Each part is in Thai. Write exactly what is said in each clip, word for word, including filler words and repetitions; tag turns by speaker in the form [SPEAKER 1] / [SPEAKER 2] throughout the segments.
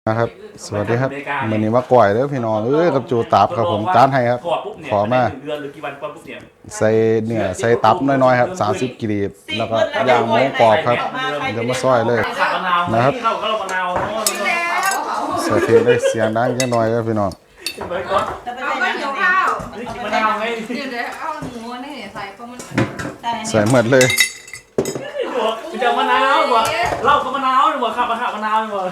[SPEAKER 1] นะครับสวัสดีครับวันนี้มาก่อยเด้อพี่น้องเอ้ยกับจูตับครับผมจานให้ครับขอมาใส่เนื้อใส่ตับน้อยๆครับสามสิบกรีบแล้วก็ย่างหมูกรอบครับเดี๋ยวมาซอยเลยนะครับใส่เพลงได้เสียงดังแค่น้อยครับพี่น้อง
[SPEAKER 2] เอาไปเดี๋ยวข้าวมะนาวไงเดี๋ยวเดี๋ยวเอาหมูนี่ใส่เพราะมัน
[SPEAKER 1] ใส่หมดเลย
[SPEAKER 3] จะมะนาวบ่เล่ากับมะนาวดีกว่าขับมาขับมะนาวดีกว่า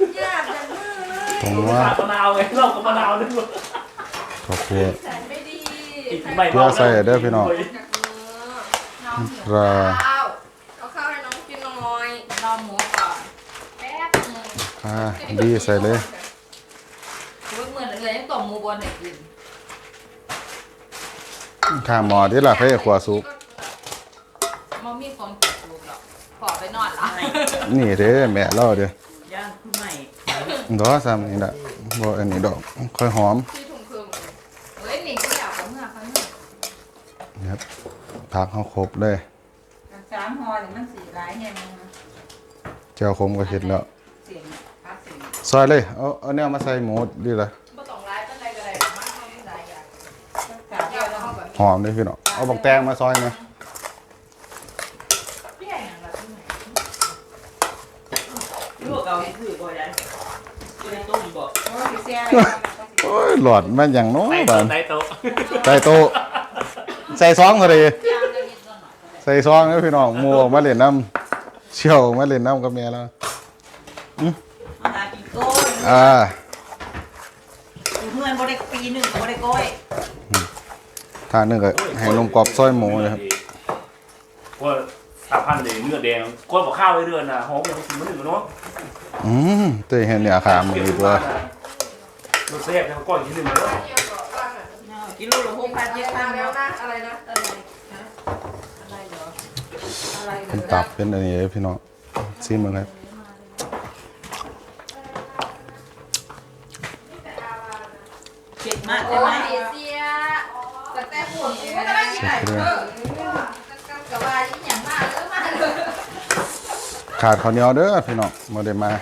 [SPEAKER 1] ผมว่า
[SPEAKER 3] ขับมะนาวไงเล่ากับมะนาวดีกว่า
[SPEAKER 1] ขอบคุณ
[SPEAKER 2] ใส่ไม่ดี
[SPEAKER 1] เพื่อใส่เด้อพี่น้องปลา
[SPEAKER 2] เอาข้าวให้น้องกินหน่อยรอหมูก่อนแป๊บนึง
[SPEAKER 1] อ่าดีใส่เลย
[SPEAKER 2] เหมือนเลยยังต่อหมูบนไหนกิน
[SPEAKER 1] ข้าหมอที่ล่ะเพื่อขวาซุป
[SPEAKER 2] มอมีคนกินลูกหรอกขอไปนอนละ
[SPEAKER 1] นี่เด้อแม่เล่าเด้
[SPEAKER 3] อย่างคือใหม่
[SPEAKER 1] ดอกซ้ำนี่ละบ่อันนี้ดอกค่อยหอม
[SPEAKER 2] ที่ถุงเครื่องเฮ้ยหนิก็อยากกับเมื่อเขาเนี่ย
[SPEAKER 1] นะครับผักเขาครบเลย
[SPEAKER 2] สามห่อหรือมันสี่ร้ายเนี่ยมึง
[SPEAKER 1] เจ้าคมก็เห็ดแล้วซอยเลยเอาเอาเนี่ยมาใส่หมูดีละหอมเลยพี่น้องเอาบักแตงมาซอยไหมโอ้ยหลอดมันอย่างน้อยบ้านใส่โต๊ะใส่โต๊ะใส่ซองก็ดีใส่ซองแล้วพี่น้องมัวมาเล่นน้ำเชี่ยวมาเล่นน้ำกับเมียแล้วอ่า
[SPEAKER 4] เมื่อนบริปีหนึ่งกับบริก้อย
[SPEAKER 1] ทานนึงก็ให้นมกรอบซอยหมูเลยครับ
[SPEAKER 3] ว่าสามพันเลยเนื้อแดงก้อนบอกข้าวไว้เดือนน่ะหอมยังกินไม่ถึงเนาะ
[SPEAKER 1] อืมตัวเห็นเนี่ยขาหมูดีตัว
[SPEAKER 3] รสแซ่บแล้วก้อนกินหนึ่งเลย
[SPEAKER 4] กิโลละหกพันเจ็ดพันแล้ว
[SPEAKER 2] นะอะไรนะอะไรนะอะไรเหรออะไร
[SPEAKER 1] เป็นตับเป็นอะไรพี่น้องซีมึงครับ
[SPEAKER 4] เผ็ดมากใช่ไหม
[SPEAKER 2] เสียแต่แต่ปวดไม่ได้ยังไงเออกับว่าอย่างมากเออมากเลย
[SPEAKER 1] ขาดข้าวเหนียวเด้อพี่น้องมาเดี๋ยวมา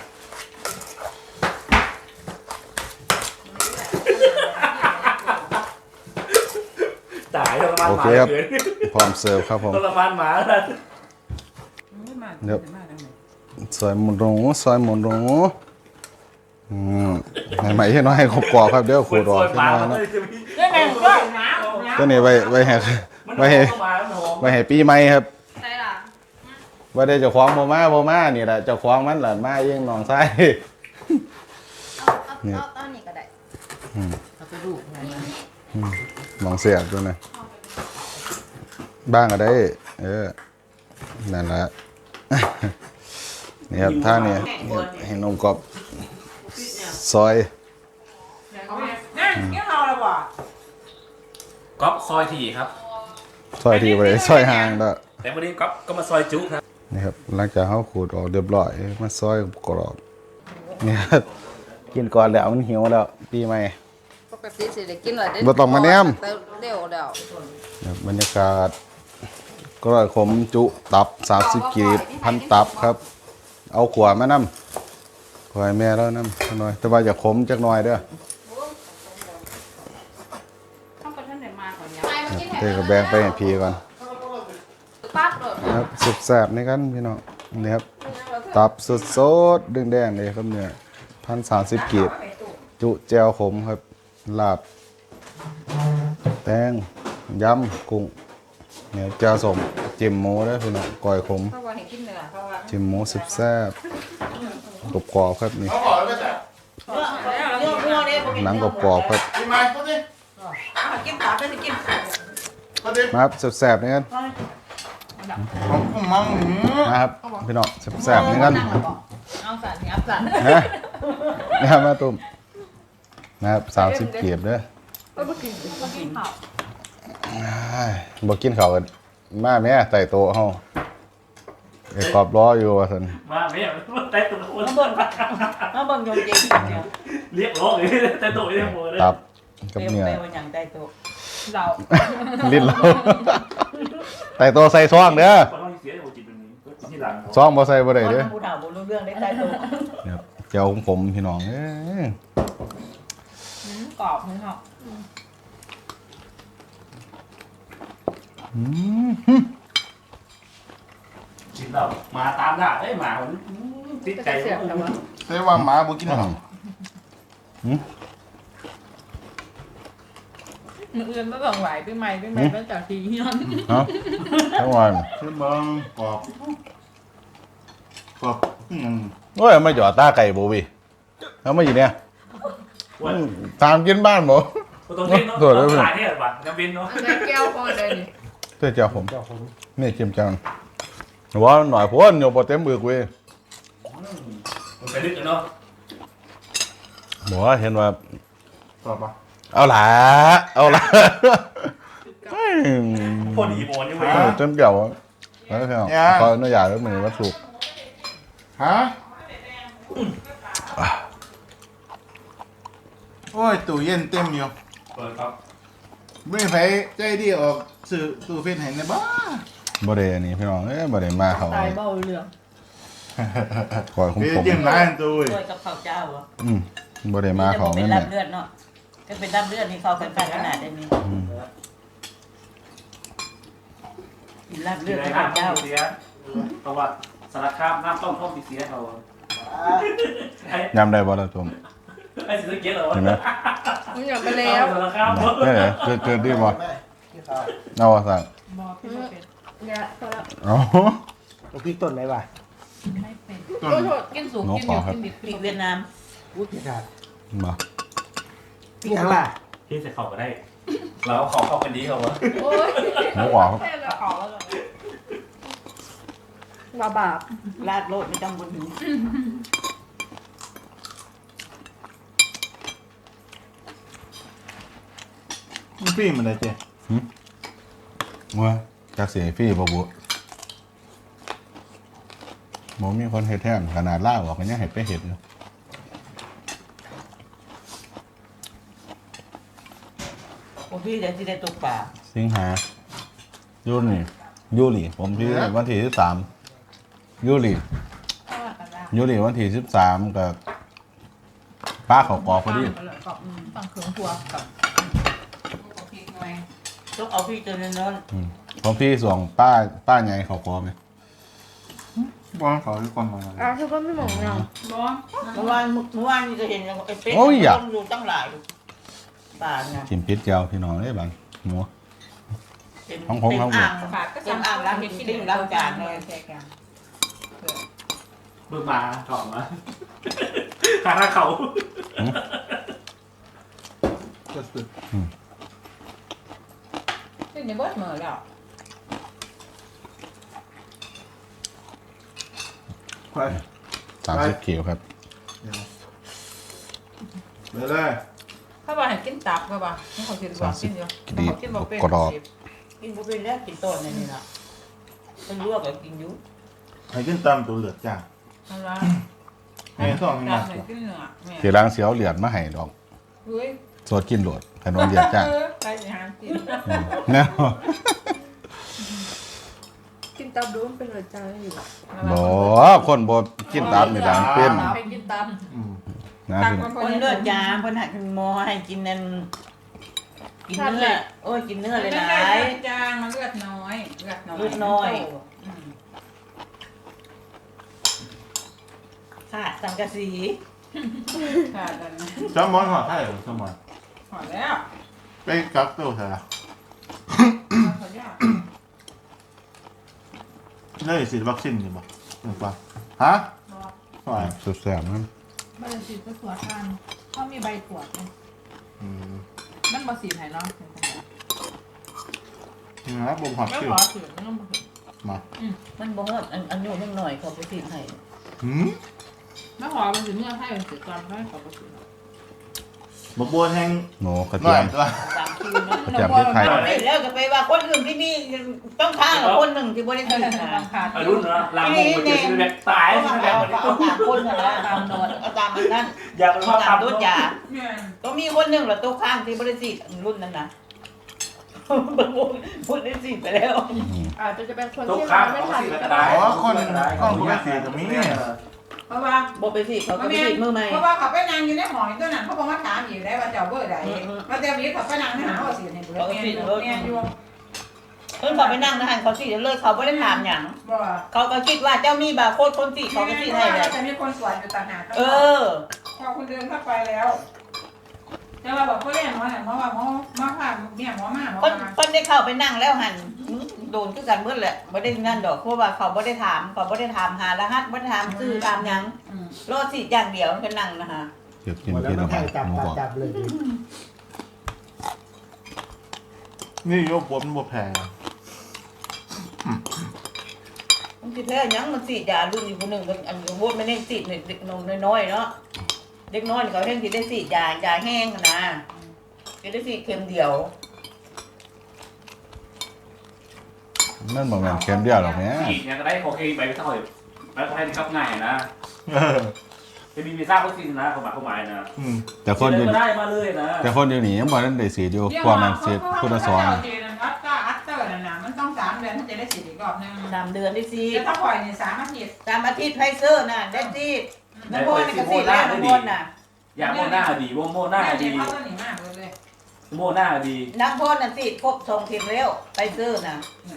[SPEAKER 3] ตายทรมานหมา
[SPEAKER 1] โอเคครับพร้อมเสิร์ฟครับผม
[SPEAKER 3] ทรมานหมาแล้ว
[SPEAKER 1] เดี๋ยวซอยหมูหนูซอยหมูหนูอืมใหม่ๆให้น้อยให้กรอบครับเดี๋ยวขูดออกให้น้อยนะตัวนี้ไว้ไว้ให้ไว้ให้ไว้ให้ปีใหม่ครับว่าได้เจ้าของโมมาโมมานี่แหละเจ้าของมันหลานมาเองน้องไส้
[SPEAKER 2] เนี่ยเอาอันนี้ก็ได้
[SPEAKER 4] เอาไปดู
[SPEAKER 1] น้องเสียบด้วยนะบ้างก็ได้เออนั่นแหละนี่ครับท่านี่เห็นนมกรอบซอย
[SPEAKER 4] นั่นเกี่ยวเอาละบ่
[SPEAKER 3] ก๊อฟซอยทีครับ
[SPEAKER 1] ซอยทีไปซอยห่างแล้ว
[SPEAKER 3] แต่วันนี้ก๊อฟก็มาซอยจุครับ
[SPEAKER 1] นี่ครับหลังจากเขาขูดออกเรียบร้อยมาซอยกรอบนี่กินก่อนแล้วมันหิวแล้วปีใหม่
[SPEAKER 2] ปกติสิได้กินเลย
[SPEAKER 1] บ่ต้องมาแนม
[SPEAKER 2] เร็วแล้ว
[SPEAKER 1] บรรยากาศก็ร่อยขมจุตับสามสิบกีบพันตับครับเอาขวานมานำขวานแม่แล้วนำหน่อยแต่ว่าอย่าขมจักหน่อยเด้อเทกับแบงไปให้พีก่อนครับสุดแสบนี่กันพี่น้องนี่ครับตับสดสดดึงแดงเลยครับเนี่ยพันสามสิบกีบจุแจวขมครับลาบแตงยำกุ้งเนี่ยแจวสมจิ้มหมูได้พี่น้องก้อยขมจิ้มหมูสุดแซ่บกรอบกรอบครับนี่หนังกรอบกรอบครับมาครับแซ่บๆนี่กันนะครับพี่น้องแซ่บๆนี่กัน
[SPEAKER 4] เอาสันงับสัน
[SPEAKER 1] นะนะครับมาตุ่มนะครับสามสิบเกียบเด้อบ่กินข้าวกันมาแม่ไต่โต๊ะเฮาไอ้กรอบล้ออยู่ว่าซั่น
[SPEAKER 3] มาแม่ไต่โต๊ะ
[SPEAKER 4] มาเบิ่งมาเบิ่งยงเจง
[SPEAKER 3] เรียกร้องเลยไต่โต๊ะเรียกหมดเลย
[SPEAKER 1] ตับกับเนื้อ
[SPEAKER 4] เรา
[SPEAKER 1] ลิ้นเราไต่โต๊ะใส่ซองเด้อซองบ่ใส่บ่ได้เด้อเจียวผมพี่น้องเอ้ย
[SPEAKER 4] อืมกรอบเลยค่ะ
[SPEAKER 1] อืม
[SPEAKER 3] กินแล้วมาตามหน้าเอ้ยหมาผมติดใจ
[SPEAKER 2] เสียบแต่ว่า
[SPEAKER 5] ใช่ว่าหมาบ่กินหรอก
[SPEAKER 2] มืออื่นไม่ต้องไหวพี่ใหม่พี่ใหม่ไม่จากทีย้อน
[SPEAKER 1] เอาทั้งวัน
[SPEAKER 5] ใช่บ้างกรอบกรอบอืม
[SPEAKER 1] โอ้ยมาหยอดตาไก่โบวีแล้วมาอยู่เนี่ย
[SPEAKER 3] ว่า
[SPEAKER 1] ตามกินบ้านบ่
[SPEAKER 3] ตรงนี้เนาะ
[SPEAKER 1] โดดแล้ว
[SPEAKER 3] หลายเนี่ยป่ะน้ำบินเนาะ
[SPEAKER 2] อันนี้แก้วพอเลยนี่
[SPEAKER 1] เจ้าเจ้าผมนี่เจียมจังว่าหน่อยพ้นอยู่บ่เต็มเบือกเว้ย
[SPEAKER 3] มันไปลึกกันเนาะ
[SPEAKER 1] บอกว่าเห็นว่า
[SPEAKER 5] กรอบปะ
[SPEAKER 1] เอาล่ะเอาล่ะ
[SPEAKER 3] พอดีโบนนี่เว้ย
[SPEAKER 1] เออเต็มเกี่ยวอะแล้วก็ขออนุญาตแล้วมือวัตถุ
[SPEAKER 5] ฮะโอ้ยตู้เย็นเต็มอยู่
[SPEAKER 3] เปิดครับ
[SPEAKER 5] ไม่ไผใจดีออกซื้อตู้เฟซให้ในบ้า
[SPEAKER 1] บ่ได้อันนี้พี่น้องเอ้ยบ่ได้มาเขา
[SPEAKER 2] ตายเบาเรื่อง
[SPEAKER 1] คอยคุ้ม
[SPEAKER 5] เฟซ
[SPEAKER 1] ผม
[SPEAKER 5] เต็มร้านตู้เว้ย
[SPEAKER 4] ด้วยกับข้าวเจ้าเหรอ
[SPEAKER 1] อืมบ่ได้มาเขา
[SPEAKER 4] เป็
[SPEAKER 1] แม่
[SPEAKER 4] น
[SPEAKER 1] แม่
[SPEAKER 4] ลาบเลือดเนาะก็เป็นลาบเลือดนี่เขาเป็นขนาดนี้กินลาบเลื
[SPEAKER 3] กิ
[SPEAKER 4] อน ด
[SPEAKER 3] อะไร
[SPEAKER 4] กับ
[SPEAKER 3] น้ำ
[SPEAKER 4] ข้าว
[SPEAKER 3] ต้
[SPEAKER 4] เจ้าม
[SPEAKER 3] เสียเพราะว่าสารคามน้ำต้มต้มเสียเขาไอ้
[SPEAKER 1] ยำได้บ่ล่ะตัว
[SPEAKER 3] ไอ้สิสเก็ตเหรอ
[SPEAKER 1] เห็นไหม
[SPEAKER 2] มันหยดไปแล้ว
[SPEAKER 3] สารคาม
[SPEAKER 1] นี่เหรอเกิดเกิดดีบ่เอาว่าสั่ง
[SPEAKER 2] บอกพี่ไม่เป็นเนี่ยพอแล้ว
[SPEAKER 1] เอา
[SPEAKER 6] ลูกพริกต้นไหนวะ
[SPEAKER 2] ไม่เป็น
[SPEAKER 5] ต้น
[SPEAKER 2] โทษโทษกินสูงกินอยู่กินดิบ
[SPEAKER 4] พริกเวียดนาม
[SPEAKER 6] อุ้ยพริกขาด
[SPEAKER 1] บ่
[SPEAKER 6] พริกข้างล่ะ
[SPEAKER 3] ที่จะเข้าก็ได้เราเอาของเข้ากันดีเขาวะ
[SPEAKER 2] โอ้ย
[SPEAKER 1] หมูกรอบ
[SPEAKER 2] แค่ละขอแล้วบาบาป
[SPEAKER 4] ลาดโลดไม่ต้องบนหิน
[SPEAKER 5] มันฟรีมันได้เจ๊
[SPEAKER 1] ว่าจักเสียฟรีบ่บุบ่มีคนเฮ็ดแทนขนาดล่าออกก็ยังเฮ็ดไปเฮ็ดอยู่
[SPEAKER 4] โอ้พี่เดี๋ยวที่ได้ตกป่า
[SPEAKER 1] สิงหายูนี่ยูริผมที่วันที่สิบสามยูริ
[SPEAKER 2] ถ้าว่ากันได้
[SPEAKER 1] ยูริวันที่สิบสามกับป้าเขากอพอดี
[SPEAKER 2] กับฝั่งเขืองพัวกับพริกหน่อย
[SPEAKER 4] ต้องเอาพี่ตัวนั้น
[SPEAKER 1] อืมผมพี่ส่วงป้าป้าไงเขากอไหม
[SPEAKER 5] บ้านเขาที่ก่อนมา
[SPEAKER 2] อ้าวเธอก็ไม่มองเงาบอ
[SPEAKER 4] เมื่อวานเมื่อวานนี่ก็เห็นไอ้เป๊กต้นอยู่ตั้งหลายป่าไง
[SPEAKER 1] ชิมพิษเจียวพี่น้องได้บังหมู
[SPEAKER 4] เป็น
[SPEAKER 1] ของผมของผม
[SPEAKER 4] อ่าง
[SPEAKER 2] ฝากก็
[SPEAKER 4] เป็นอ่างล้างทิ้งล้างจานเลย
[SPEAKER 2] แค่กัน
[SPEAKER 3] เบิ่งมาถอดมาหาทางเขา
[SPEAKER 5] ก็สุด
[SPEAKER 2] ขึ้นในเบิร์ดเหมือแล้ว
[SPEAKER 5] ไป
[SPEAKER 1] สามสิบกิโลครับ
[SPEAKER 5] เดี๋ยวเลย
[SPEAKER 2] ถ้าว่าให้กินตับก็บ่าให้เขากินบ่กินอยู่เขากินบ่เป็น
[SPEAKER 4] กินบุฟเฟ่ต์แล้วกินต้นนี่นะเป็นลวกก็กินยุ
[SPEAKER 5] ให้ขึ้นตามตัวเหลือจ้า
[SPEAKER 2] อะไร
[SPEAKER 5] ให้สองให้
[SPEAKER 2] ตั
[SPEAKER 5] มา
[SPEAKER 2] บให้กินเนื้อแม่
[SPEAKER 1] ทีหล้างเสียวเหลียดมาให้ดอก
[SPEAKER 2] เฮ้ย
[SPEAKER 1] สดกินโหลดขนมเหลียดจ้าง
[SPEAKER 2] ไปสิหากิน
[SPEAKER 1] อืมแน่
[SPEAKER 2] กินตับดูมันเป็นรสชาติอยู่
[SPEAKER 1] บ่คนบ่กินตามนี่ดังเป็น
[SPEAKER 2] ไปกินตับ
[SPEAKER 5] อืม
[SPEAKER 1] นะพี่น้อง
[SPEAKER 4] คนเลือดยาเพิ่นหักหมอให้กินนั่นกินเนื้อโอ้ยกินเนื้อเลยหลาย
[SPEAKER 2] จางมันเลือดน้อยเลือดน้อย
[SPEAKER 4] เลือดน้อย ขาดสังกะสี
[SPEAKER 2] ค่ะตอนนี้
[SPEAKER 5] จอมมอนหัวไข่ผมจอมมอน
[SPEAKER 2] หอดแล้ว
[SPEAKER 5] ไปกักตัวเถอะ
[SPEAKER 2] ขอยาก
[SPEAKER 5] เลยฉีดวัคซีนอยู่บ่ถูกป่ะฮะ
[SPEAKER 2] บอก
[SPEAKER 5] หน่อย
[SPEAKER 1] สุดแซ่บมัน
[SPEAKER 2] ไม่ได้ฉีดไปตรวจทานเขามีใบตรวจไหม
[SPEAKER 5] อืม
[SPEAKER 2] มันบ่สีไหนเนาะ
[SPEAKER 5] นะครับผมหัก
[SPEAKER 2] ไม่
[SPEAKER 5] คิว
[SPEAKER 2] ขอถือมันบ่ถือ
[SPEAKER 5] มา
[SPEAKER 4] มันบ่ฮอดอันอันอยู่นิดหน่อยเขาไปติดให้
[SPEAKER 5] หืม
[SPEAKER 2] ไม่ขอมันถือเมื่อให้มันถือก่อนให้ขอบ่ถือ
[SPEAKER 5] บักบัวแห้ง
[SPEAKER 1] หนูกระ
[SPEAKER 5] หน่
[SPEAKER 1] เที
[SPEAKER 5] อย ย
[SPEAKER 1] ม
[SPEAKER 5] ตัว
[SPEAKER 4] ตามคิวเนาะ
[SPEAKER 1] กระเทียมพริกไทย
[SPEAKER 4] ไปแล้วก็ไปว่าคนอื่นที่นี่ต้องข้างกับคนหนึ่งที่บ่ได้ติดนะ
[SPEAKER 2] บางขาด
[SPEAKER 3] อารุ่นนะลามงมันจะซื้อแบบตาย
[SPEAKER 4] เอา
[SPEAKER 3] ใช่ไหมแบบ
[SPEAKER 4] เอาตามคนนะตามนอนเอาตามมันนั่น
[SPEAKER 3] อยากเป็น
[SPEAKER 4] เอา
[SPEAKER 3] ว่า
[SPEAKER 4] ตาม
[SPEAKER 3] ทำ
[SPEAKER 4] รถยา
[SPEAKER 2] เนี่ย
[SPEAKER 4] ก็มีคนหนึ่งเหรอตัวข้างที่บริสิทธิ์รุ่นนั้นนะพูดได้สิไปแล้ว
[SPEAKER 2] อาจจะจะเป็นคน
[SPEAKER 3] ทุก
[SPEAKER 2] ที่
[SPEAKER 3] ครั้ง
[SPEAKER 2] ไม่
[SPEAKER 3] เขา
[SPEAKER 2] ทัน
[SPEAKER 3] สิ
[SPEAKER 2] ก็
[SPEAKER 3] กระ
[SPEAKER 2] ได้
[SPEAKER 3] ดาษ
[SPEAKER 5] อ๋อคนคนปกติก็มี
[SPEAKER 2] คราะว่า
[SPEAKER 4] บ่ไปสิเขาก็ไปสิมือใหม่
[SPEAKER 2] เพราะว่าเขาไปนั่งอยู่ในหอตัวนั้นเขาบอกว่าถามอยู่ได้ว่าเจ้าเบอร์ใดมาแต่วีเขาไปนั่งในหาว่าสิเนี่ยเบอร์เนี่ยเนี่ยอยู่
[SPEAKER 4] เพิ่นเขาไปนั่งนะหันเขาสิเลยเขาบ่ได้ถามหยัง
[SPEAKER 2] บ่
[SPEAKER 4] เขาก็คิดว่าเจ้ามีบาร์โค้ดคนสิเขาก็สิให้เลย
[SPEAKER 2] จะมีคนสวยอยู่ต่างหาก
[SPEAKER 4] เออ
[SPEAKER 2] พอคุณเดินเข้าไปแล้วแต่ว่าบอกเขาเรียกหมอเนี่ยหมอว่าหมอหมอผ่าเนี่ยหมอมาหมอ
[SPEAKER 4] เพิ่น
[SPEAKER 2] มา
[SPEAKER 4] เพิ่นได้เข้าไปนั่งแล้วหันโดนคือกันเบิดแหละบ่ได้นั่นดอกเพราะว่าเขาบ่ได้ถามเขาบ่ได้ถามหารหัสบ่ได้ถามชื่อตามหยังรอสิอย่างเดียวมันก็นั่งนะฮะ
[SPEAKER 1] เดี๋ยวกิน
[SPEAKER 6] หมดแล้
[SPEAKER 1] กิ
[SPEAKER 6] วน มัน
[SPEAKER 1] ไป
[SPEAKER 6] แทงจับ
[SPEAKER 1] หมู
[SPEAKER 6] จับ
[SPEAKER 1] กรอบ
[SPEAKER 6] จับเลยดิ
[SPEAKER 5] นี่โยบมันบ่แพง
[SPEAKER 4] มันสิแพ้หยังมันสิยารุ่นอยู่คนหนึงกันอันโวดมันได้สิเด็กน้อยๆเนาะเด็กน้อยเขาเฮ็ดสิได้สิยายาแห้งนะสิได้สิเข็มเดียว
[SPEAKER 1] นั่นบ่แม่นเค็มเดียวหรอกแม่
[SPEAKER 3] ฉีดเนี่ยก็ได้โอเคไปไม่เท่าไหร่แล้วก็ให้ขับง่ายนะจะมีวีซ่าวัคซีนนะความหมายความหมายนะ
[SPEAKER 1] แต่คนอยู่
[SPEAKER 3] ก็ได้มาเลยนะ
[SPEAKER 1] แต่คนอยู่นี่ยังบ่ทันได้ฉีดอยู่กว่านั้นฉีดพุทธสอน
[SPEAKER 2] อัตตาอัตเตอร์นั่นน่ะมันต้องสามเดือนถึงจะได้ฉีดอีกรอบนึง
[SPEAKER 4] สามเดือนได้สิ
[SPEAKER 2] แต่ถ้าปล่อยเนี่ยสามอาทิตย์
[SPEAKER 4] สามอาทิตย์ไฟเซอร์น่ะได้สิน้ำพรนี่ก็สิแล้วน้ำพรน่ะ
[SPEAKER 3] ยาโมหน้าดีโมโมหน้าดี
[SPEAKER 2] เขาตัวนี้มากเลย
[SPEAKER 3] โมหน้าดี
[SPEAKER 4] น้ำพรน่ะสิครบสองเข็มแล้วไฟเซอร์น่ะ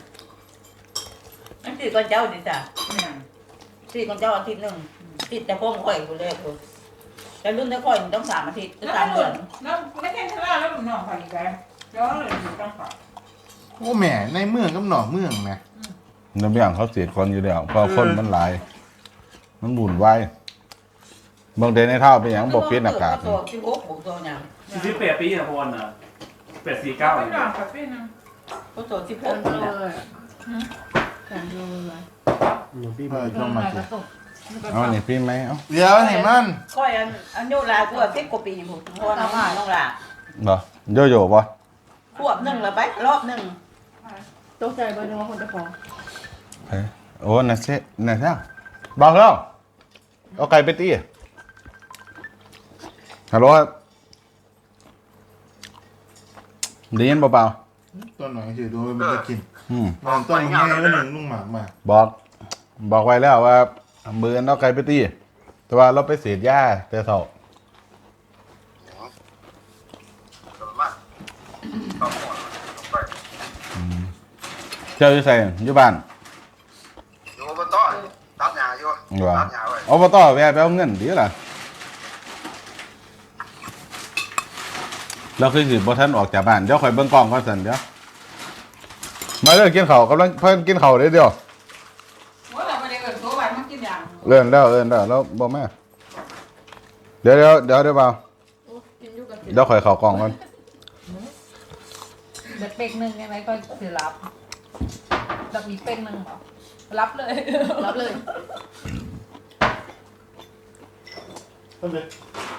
[SPEAKER 4] นั่นสิก่อนเจ้าดิจ้ะ
[SPEAKER 2] เนี่ย
[SPEAKER 4] สิก่อนเจ้าอาทิตย์หนึงติดแต่พวกข่อยกูเลยกูแต่รุ่นแต่ข่อยมันต้องสามอาทิตย์หรือ
[SPEAKER 2] แล้ว
[SPEAKER 4] สามเดือน
[SPEAKER 2] แล้วไม่ใช่ทะเลาะแล้วหนุ่มน้องไปอีกแล้วแล้วเลยอยู่ต้องฝาก
[SPEAKER 5] โอ้แม่ในเมืองกับนอกเมืองนะ
[SPEAKER 1] น้ำเบี้ยงเขาฉีดคนอยู่แล้วเพราะคนมันหลาย มันบุ่นวายบางเดนในเท่าเป็นหยังบ่ปิดอากาศ
[SPEAKER 4] ตัวสิบหกบวกตัวหยัง
[SPEAKER 3] สิบแปดปีนะพรนะแปดสี่เก้า
[SPEAKER 2] ไม่
[SPEAKER 3] เลย
[SPEAKER 2] นอนกับพี่นึง
[SPEAKER 4] ก็ตัวสิบหกนี่แหละ
[SPEAKER 6] หนูพี่
[SPEAKER 5] เอ
[SPEAKER 6] มา
[SPEAKER 5] อช่วงมาสิ
[SPEAKER 1] เอานี่พี่ไหมเอา
[SPEAKER 5] เดี๋ยวเห็นมัน
[SPEAKER 4] ข่อยอันอันโยลากูสิบกว่าปีผมพอน้องน้องลา
[SPEAKER 1] บ่โยโย่บ่
[SPEAKER 4] ขวบหนึ่งแล้วไปรอบหนึ่ง
[SPEAKER 7] ตกใจเบอร์นึงว่าคนจะฟ้อง
[SPEAKER 1] เฮ้ยโอ้น่ะเซ่น่ะซ่าบอกแล้วเอาไก่ไปตีฮัลโหลครับได้ยินเปล่า
[SPEAKER 5] ต้นหน่อยสิดูมันจะกิน
[SPEAKER 1] ๆอืม
[SPEAKER 5] มันต้นมันแห้งแล้วหนึ่งลุงหมากมา
[SPEAKER 1] บอก บอกไว้แล้วว่ามืออนเอาไก่ไปตีแต่ว่าเราไปเสียดหญ้าแต่เท่าอืมเจ้าอยู่ใส่อยู่บ้าน
[SPEAKER 8] อยู่อบตตัดหญ้าอยู่
[SPEAKER 1] ว่า
[SPEAKER 8] ตัดหญ้าไว้
[SPEAKER 1] อบตแวะไปเอาเงินดีล่ะเราคือสิบ่ทันออกจากบ้านเดี๋ยวข่อยเบิ่งกล้องก่อนสั่นเดี๋ยวมาเด้อกินข้าวกำลังเพิ่นกินข้าวเด้อเดี๋ยว
[SPEAKER 2] ว่าเราไปเดินตัววันมันกินอย่าง
[SPEAKER 1] เลื่อนแล้วเลื่อนแล้วแล้วบ่มาเดี๋ยวเดี๋ยวเดี๋ยวเดี๋ยวเปล่า
[SPEAKER 7] กินอยู่กับ
[SPEAKER 1] เดี๋ยวข่อยเข้ากล้องก่อน
[SPEAKER 7] เด็กเป็กหนึ่งยังไงก็คือรับแบบมีเป็กหนึ่งเหรอรับเลย รับเลย
[SPEAKER 5] ต้นเลย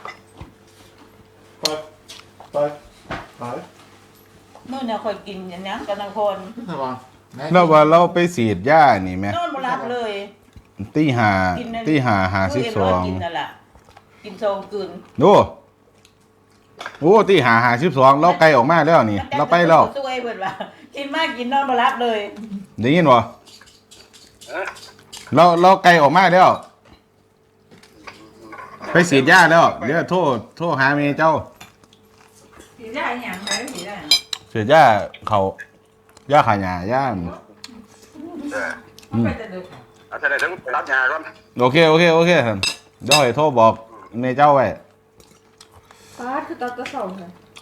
[SPEAKER 5] ไปไปไป
[SPEAKER 4] นู่นเนี่ยข่อยกินอย่างนี้กันทั้งคน
[SPEAKER 5] ระวัง
[SPEAKER 1] แล้วว่าเราไปฉีดหญ้านี่แม่
[SPEAKER 4] นอนบ่รับเลย
[SPEAKER 1] ตีห้า
[SPEAKER 4] กินนั่น
[SPEAKER 1] ตีห้าห้าสิบสอง
[SPEAKER 4] กินนั่นแหละกินโซงกิน
[SPEAKER 1] ดูโอ้ตีห้าห้าสิบสองเราไกลออกมาแล้วนี่ เราไปแล้ว
[SPEAKER 4] ช่วยเพิ่นว่ากินมากกินนอนบ่รับเลย
[SPEAKER 1] ได้ยินบ่เราเราไกลออกมาแล้ว ไปฉีดหญ้าแล้วเดี๋ยวโทษโทษหาเมย์เจ้า
[SPEAKER 2] ผีได้อย่างไรผีได้
[SPEAKER 1] ฉีดหญ้าเขาหญ้าขาหญ้าหญ้า
[SPEAKER 8] เออ
[SPEAKER 2] มันไปจะดึก
[SPEAKER 8] เอาจะได้ถึงตัดหญ้าก่อน
[SPEAKER 1] โอเคโอเคโอเคท่านเดี๋ยวให้โทรบอกเมย์เจ้าไว้
[SPEAKER 7] ป้าคือตอนกระสอบเลย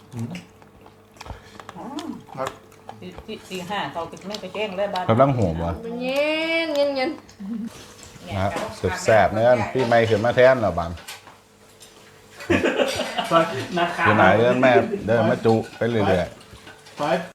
[SPEAKER 4] ตีตีตีห้าเขากินไม่ไปแจ้งเลยบ้าน
[SPEAKER 1] กำลังหัวบ่
[SPEAKER 7] มันเย็นเย็นเย็น
[SPEAKER 1] นะครับสุดแสบเนื้อพี่ไม่ขึ้นมาแทนเหรอบัน
[SPEAKER 3] นะครับ
[SPEAKER 1] คือไหนเดินแม่เดินมาจุไปเรื่อยๆ
[SPEAKER 5] ไป